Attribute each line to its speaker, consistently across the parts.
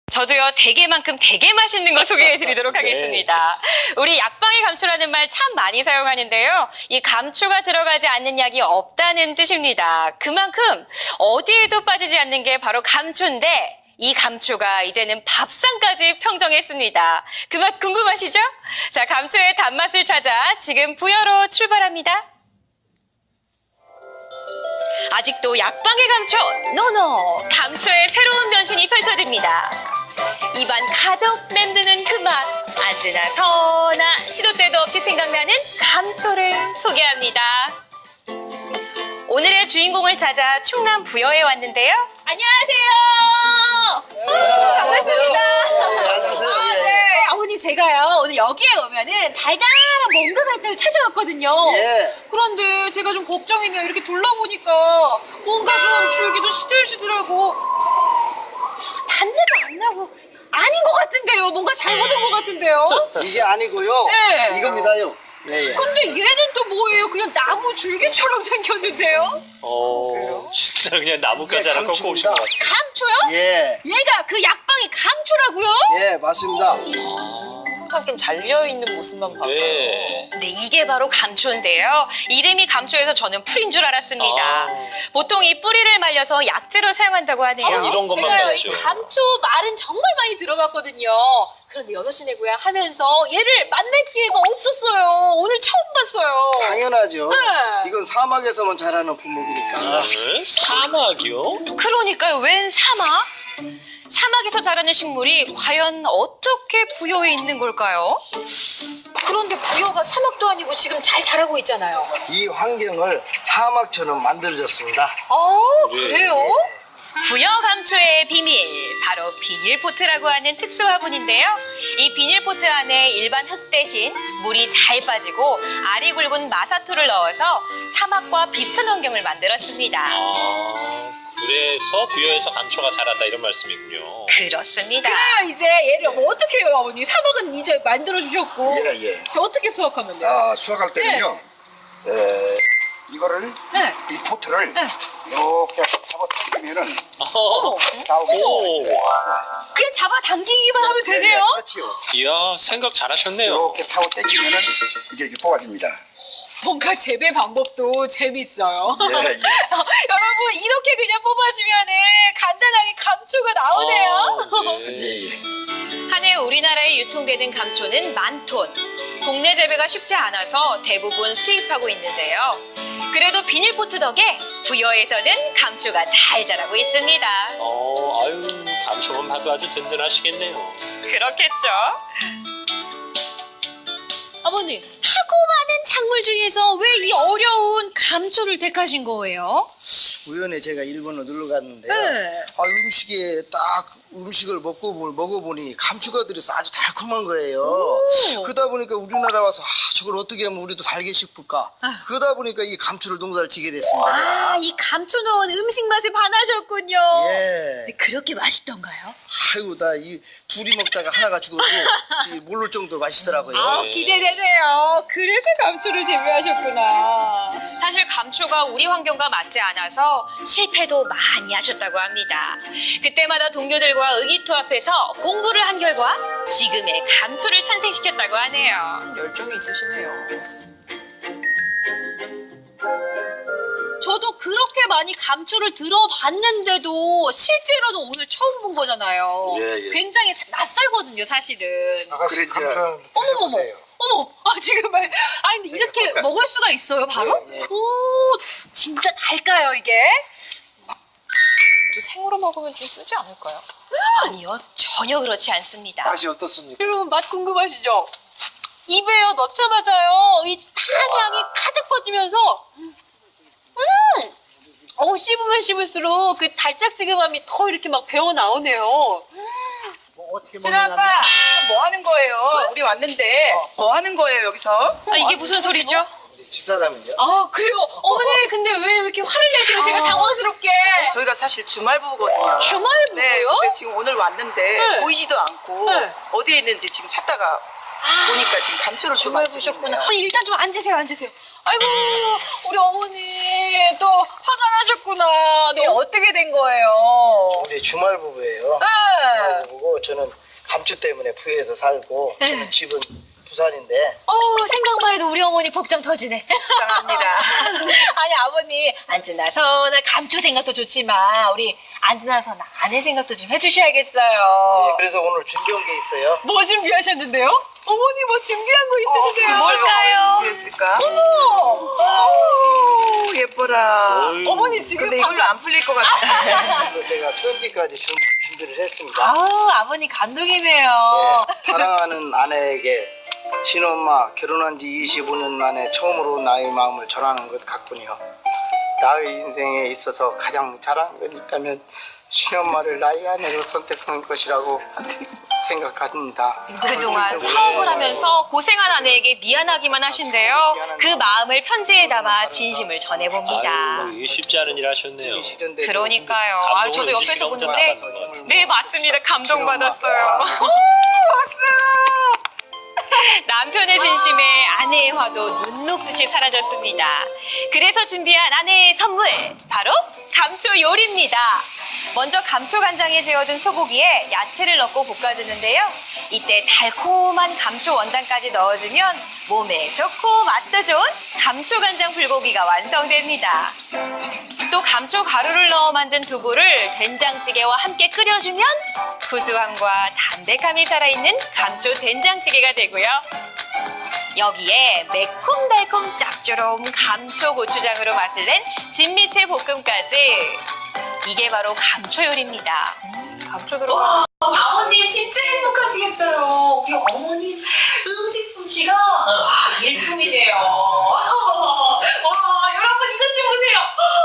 Speaker 1: 저도요, 대게만큼 되게 맛있는 거 소개해드리도록 하겠습니다. 우리 약방의 감초라는 말 참 많이 사용하는데요. 이 감초가 들어가지 않는 약이 없다는 뜻입니다. 그만큼 어디에도 빠지지 않는 게 바로 감초인데 이 감초가 이제는 밥상까지 평정했습니다. 그 맛 궁금하시죠? 자, 감초의 단맛을 찾아 지금 부여로 출발합니다. 아직도 약방의 감초, 노노! 감초의 새로운 변신이 펼쳐집니다. 입안 가득 맴드는 그 맛, 앉으나 서나 시도 때도 없이 생각나는 감초를 소개합니다. 오늘의 주인공을 찾아 충남 부여에 왔는데요. 안녕하세요. 반갑습니다.
Speaker 2: 안녕하세요.
Speaker 1: 네, 아버님 제가요 오늘 여기에 오면은 달달한 뭔가가 있다고 찾아왔거든요.
Speaker 2: 예.
Speaker 1: 그런데 제가 좀 걱정이네요. 이렇게 둘러보니까 뭔가 좀 줄기도 시들시들하고 단내도 안 나고 아닌 것 같은데요. 뭔가 잘못한 것 같은데요.
Speaker 2: 이게 아니고요.
Speaker 1: 네.
Speaker 2: 이겁니다요. 네.
Speaker 1: 근데 얘는 또 뭐예요? 그냥 나무 줄기처럼 생겼는데요.
Speaker 3: 진짜 그냥 나뭇가지 하나 꺾고 오신
Speaker 2: 감초입니다.
Speaker 3: 것 같아요.
Speaker 1: 감초요?
Speaker 2: 예.
Speaker 1: 얘가 그 약방이 감초라고요?
Speaker 2: 예, 맞습니다.
Speaker 4: 항상 좀 잘려있는 모습만 봐서
Speaker 3: 네.
Speaker 1: 네, 이게 바로 감초인데요. 이름이 감초여서 저는 풀인 줄 알았습니다.
Speaker 3: 아.
Speaker 1: 보통 이 뿌리를 말려서 약재로 사용한다고 하네요.
Speaker 3: 전 이런 것만
Speaker 1: 제가요,
Speaker 3: 봤죠.
Speaker 1: 이 감초 말은 정말 많이 들어봤거든요. 그런데 6시내 고향 하면서 얘를 만날 기회가 없었어요. 오늘 처음 봤어요.
Speaker 2: 당연하죠.
Speaker 1: 네.
Speaker 2: 이건 사막에서만 자라는 품목이니까.
Speaker 3: 네? 사막이요?
Speaker 1: 그러니까요. 웬 사막? 사막에서 자라는 식물이 과연 어떻게 부여에 있는 걸까요? 그런데 부여가 사막도 아니고 지금 잘 자라고 있잖아요.
Speaker 2: 이 환경을 사막처럼 만들어졌습니다.
Speaker 1: 그래요? 부여 감초의 비밀, 바로 비닐포트라고 하는 특수 화분인데요. 이 비닐포트 안에 일반 흙 대신 물이 잘 빠지고 알이 굵은 마사토를 넣어서 사막과 비슷한 환경을 만들었습니다.
Speaker 3: 그래서 부여에서 감초가 자란다 이런 말씀이군요.
Speaker 1: 그렇습니다.
Speaker 5: 그래요 이제 얘를 뭐 어떻게 해요 아버님? 사막은 이제 만들어 주셨고
Speaker 2: 예, 예.
Speaker 5: 저 어떻게 수확하면 돼요?
Speaker 2: 수확할 때는요. 이거를
Speaker 5: 네.
Speaker 2: 이 포트를
Speaker 5: 네.
Speaker 2: 이렇게 잡아 당기면은 나오게.
Speaker 3: 오,
Speaker 5: 그냥 잡아 당기기만 하면 되네요?
Speaker 2: 그렇지요.
Speaker 3: 이야 생각 잘하셨네요.
Speaker 2: 이렇게 잡아 당기면은 이게 뽑아집니다.
Speaker 5: 뭔가 재배 방법도 재밌어요.
Speaker 2: 예, 예.
Speaker 5: 여러분 이렇게 그냥 뽑아주면은 간단하게 감초가 나오네요.
Speaker 3: 네.
Speaker 2: 예, 예.
Speaker 1: 한 해 우리나라에 유통되는 감초는 10,000톤. 국내 재배가 쉽지 않아서 대부분 수입하고 있는데요. 그래도 비닐포트 덕에 부여에서는 감초가 잘 자라고 있습니다.
Speaker 3: 아유 감초만 봐도 아주 든든하시겠네요.
Speaker 1: 그렇겠죠?
Speaker 5: 아버님 하고 많은 작물 중에서 왜 이 어려운 감초를 택하신 거예요?
Speaker 2: 우연히 제가 일본을 놀러 갔는데요.
Speaker 5: 네.
Speaker 2: 음식에 딱 음식을 먹어보니 감초가 들어서 아주 달콤한 거예요. 그러다 보니까 우리나라 와서 저걸 어떻게 하면 우리도 달게 싶을까? 그러다 보니까 이 감초를 농사를 지게 됐습니다. 제가.
Speaker 5: 이 감초 넣은 음식 맛에 반하셨군요.
Speaker 2: 예.
Speaker 5: 근데 그렇게 맛있던가요?
Speaker 2: 아이고 나 이 둘이 먹다가 하나가 죽어도 모를 정도 맛있더라고요.
Speaker 5: 기대되네요. 그래서 감초를 재배하셨구나.
Speaker 1: 사실 감초가 우리 환경과 맞지 않아서 실패도 많이 하셨다고 합니다. 그때마다 동료들과 의기투합해서 공부를 한 결과 지금의 감초를 탄생시켰다고 하네요.
Speaker 4: 열정이 있으시네요.
Speaker 5: 저도 그렇게 많이 감초를 들어봤는데도 실제로는 오늘 처음 본 거잖아요.
Speaker 2: 예, 예.
Speaker 5: 굉장히 낯설거든요, 사실은.
Speaker 2: 그랬죠.
Speaker 5: 어머머머. 어머, 지금 근데 이렇게 먹을 수가 있어요, 바로? 오, 진짜 달까요, 이게?
Speaker 4: 또 생으로 먹으면 좀 쓰지 않을까요?
Speaker 1: 아니요, 전혀 그렇지 않습니다.
Speaker 2: 맛이 어떻습니까?
Speaker 5: 여러분, 맛 궁금하시죠? 입에요, 넣자마자요, 이 탄 향이 가득 퍼지면서, 씹으면 씹을수록 그 달짝지근함이 더 이렇게 막 배어 나오네요.
Speaker 4: 아빠 뭐 하는 거예요? 우리 왔는데 뭐 하는 거예요 여기서?
Speaker 1: 이게 무슨 소리죠?
Speaker 2: 집사람은요?
Speaker 5: 그래요? 어머니, 근데 왜 이렇게 화를 내세요? 제가 당황스럽게.
Speaker 4: 저희가 사실 주말부부거든요.
Speaker 5: 주말부부요?
Speaker 4: 네, 근데 지금 오늘 왔는데
Speaker 5: 네.
Speaker 4: 보이지도 않고
Speaker 5: 네.
Speaker 4: 어디에 있는지 지금 찾다가 보니까 지금 감초를 좀
Speaker 5: 주말
Speaker 4: 만지고
Speaker 5: 보셨구나.
Speaker 4: 있네요.
Speaker 5: 일단 좀 앉으세요. 아이고, 우리 어머니 또 화가 나셨구나. 네, 어떻게 된 거예요?
Speaker 2: 우리 주말 부부예요.
Speaker 5: 네.
Speaker 2: 부부고 저는 감초 때문에 부여에서 살고
Speaker 5: 네.
Speaker 2: 저는 집은 부산인데
Speaker 5: 생각만 해도 우리 어머니 복장 터지네.
Speaker 4: 사랑합니다.
Speaker 5: 아니 아버님 안지나서나 감초 생각도 좋지만 우리 안지나서나 아내 생각도 좀 해주셔야겠어요.
Speaker 2: 그래서 오늘 준비한 게 있어요.
Speaker 5: 뭐 준비하셨는데요? 어머니 뭐 준비한 거 있으시대요?
Speaker 1: 뭘까요?
Speaker 4: 됐을까?
Speaker 5: 어머!
Speaker 4: 오, 예뻐라.
Speaker 3: 어이.
Speaker 5: 어머니 지금
Speaker 4: 근데 이걸로 안 풀릴 것 같아.
Speaker 2: 그래서 제가 편지까지 준비를 했습니다.
Speaker 5: 아우 아버님 감동이네요.
Speaker 2: 사랑하는 아내에게 친엄마 결혼한 지 25년 만에 처음으로 나의 마음을 전하는 것 같군요. 나의 인생에 있어서 가장 잘한 것 있다면 친엄마를 나의 아내로 선택한 것이라고 생각합니다.
Speaker 1: 그동안 사업을 하면서 고생한 아내에게 미안하기만 하신데요. 그 마음을 편지에 담아 진심을 전해봅니다.
Speaker 3: 아유, 이게 쉽지 않은 일 하셨네요.
Speaker 2: 싫은데도
Speaker 1: 그러니까요.
Speaker 3: 감동을
Speaker 1: 저도
Speaker 3: 은지
Speaker 1: 옆에서
Speaker 3: 씨가 혼자
Speaker 1: 보는데
Speaker 3: 다 받은 것 같아요.
Speaker 1: 네 맞습니다. 감동받았어요. 남편의 진심에 아내의 화도 눈 녹듯이 사라졌습니다. 그래서 준비한 아내의 선물 바로 감초 요리입니다. 먼저 감초 간장에 재워둔 소고기에 야채를 넣고 볶아주는데요. 이때 달콤한 감초 원단까지 넣어주면 몸에 좋고 맛도 좋은 감초 간장 불고기가 완성됩니다. 또 감초 가루를 넣어 만든 두부를 된장찌개와 함께 끓여주면 구수함과 담백함이 살아있는 감초 된장찌개가 되고요. 여기에 매콤달콤 짭조름 감초 고추장으로 맛을 낸 진미채 볶음까지. 이게 바로 감초 요리입니다. 감초 들어가.
Speaker 5: 아버님 진짜 행복하시겠어요. 우리 어머님 음식 솜씨가 일품이네요. 와 여러분 이것 좀 보세요.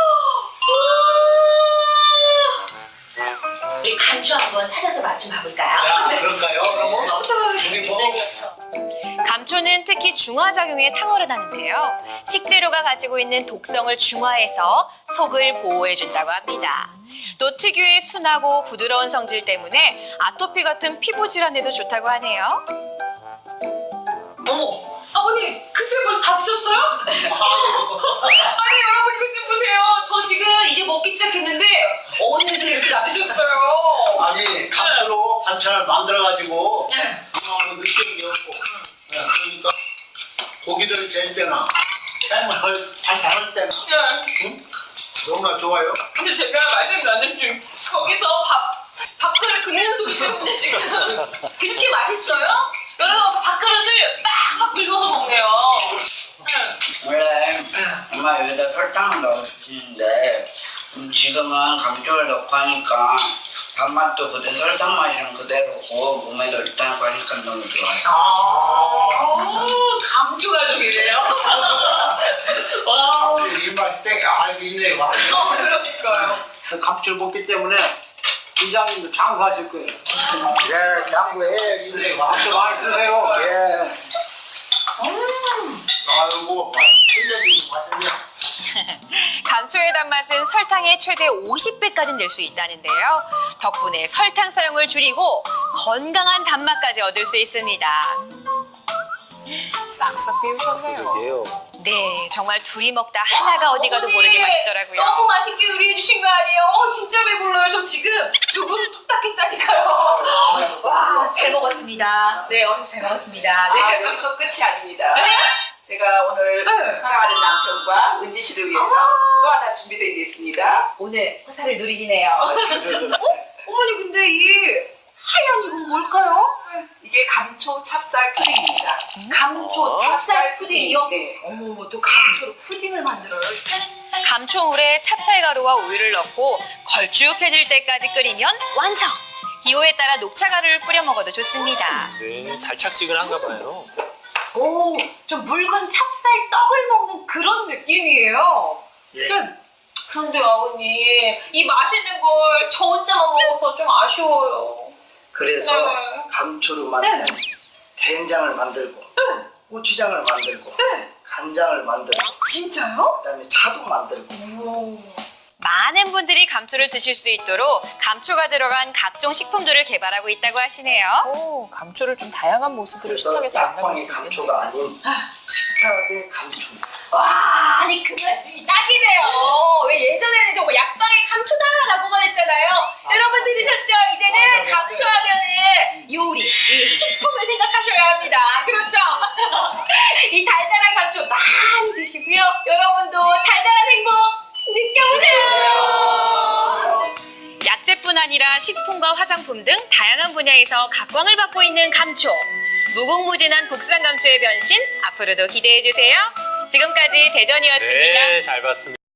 Speaker 5: 우리 감초 한번 찾아서 맛 좀 봐볼까요?
Speaker 2: 그럴까요? 그러면 우리
Speaker 1: 감초는 특히 중화작용에 탁월을 하는데요. 식재료가 가지고 있는 독성을 중화해서 속을 보호해준다고 합니다. 또 특유의 순하고 부드러운 성질 때문에 아토피 같은 피부 질환에도 좋다고 하네요.
Speaker 5: 어머 아버님 글쎄 벌써 다 드셨어요? 아니 여러분 이것 좀 보세요. 저 지금 이제 먹기 시작했는데 어느새 이렇게 다 드셨어요.
Speaker 6: 아니 감초로 반찬을 만들어가지고
Speaker 5: 네.
Speaker 6: 아무 느낌이 없고 그러니까 고기를 재 때나 해물 반찬할 때나 너무나 좋아요.
Speaker 5: 근데 제가 말씀 나눈 중 거기서 밥그릇 긁는 소리 때문에 지금 그렇게 맛있어요? 여러분 밥그릇을 막 긁어서 먹네요.
Speaker 7: 원래 엄마 여기다 설탕을 넣어주시는데 지금은 감초를 넣고 하니까 단맛도 그대로 설탕 맛이는 그대로고 몸에도 일단 가니까 너무 좋아요.
Speaker 5: 감초 가족이래요. 와,
Speaker 6: 입맛 때 알고 있네.
Speaker 5: 그러니까요.
Speaker 6: 감초를 먹기 때문에 이장님도 장수하실 거예요.
Speaker 2: 예, 양보해.
Speaker 6: 감초 많이 드세요.
Speaker 2: 예.
Speaker 6: 아이고 끝내주고 맛있냐.
Speaker 1: 감초의 단맛은 설탕의 최대 50배까지 낼 수 있다는데요. 덕분에 설탕 사용을 줄이고 건강한 단맛까지 얻을 수 있습니다. 싹싹 비우셨네요.
Speaker 3: 그러게요.
Speaker 1: 네, 정말 둘이 먹다 하나가 어디 가도 모르게 맛있더라고요.
Speaker 5: 너무 맛있게 요리해 주신 거 아니에요? 진짜 배불러요. 저 지금 두 그릇 뚝딱 했다니까요. 와, 잘 먹었습니다. 네, 어머니 잘 먹었습니다. 네.
Speaker 4: 여기서 끝이 아닙니다. 제가 오늘 사랑하는 남편과 은지 씨를 위해서 또 하나 준비되어 있습니다.
Speaker 5: 오늘 호사를 누리시네요. 어머니 근데 이 하얀 이건 뭘까요?
Speaker 4: 이게 감초 찹쌀 푸딩입니다.
Speaker 5: 감초 찹쌀 푸딩이요?
Speaker 4: 네.
Speaker 5: 어머, 또 감초로 푸딩을 만들어요.
Speaker 1: 감초물에 찹쌀가루와 우유를 넣고 걸쭉해질 때까지 끓이면 완성! 기호에 따라 녹차가루를 뿌려 먹어도 좋습니다.
Speaker 3: 네, 달짝지근한가 봐요.
Speaker 5: 오, 좀 묽은 찹쌀 떡을 먹는 그런 느낌이에요. 그런데 아버님, 이 맛있는 걸 저 혼자만 먹어서 좀 아쉬워요.
Speaker 2: 그래서
Speaker 5: 네.
Speaker 2: 감초로 만든
Speaker 5: 네.
Speaker 2: 된장을 만들고 고추장을 만들고 간장을 만들고
Speaker 5: 진짜요?
Speaker 2: 그다음에 차도 만들고
Speaker 1: 많은 분들이 감초를 드실 수 있도록 감초가 들어간 각종 식품들을 개발하고 있다고 하시네요.
Speaker 8: 감초를 좀 다양한 모습으로
Speaker 2: 그래서
Speaker 8: 식탁에서 만나볼
Speaker 2: 약방의
Speaker 8: 수 있겠네요.
Speaker 2: 감초가 아닌 식탁의 감초입니다.
Speaker 5: 와, 아니 그 말씀이 딱이네요. 왜 예전에는 정말 약방의 감초다라고만 했잖아요. 여러분 들으셨죠? 이제는 감초하면은
Speaker 1: 아니라 식품과 화장품 등 다양한 분야에서 각광을 받고 있는 감초. 무궁무진한 국산 감초의 변신 앞으로도 기대해 주세요. 지금까지 대전이었습니다.
Speaker 3: 네, 잘 봤습니다.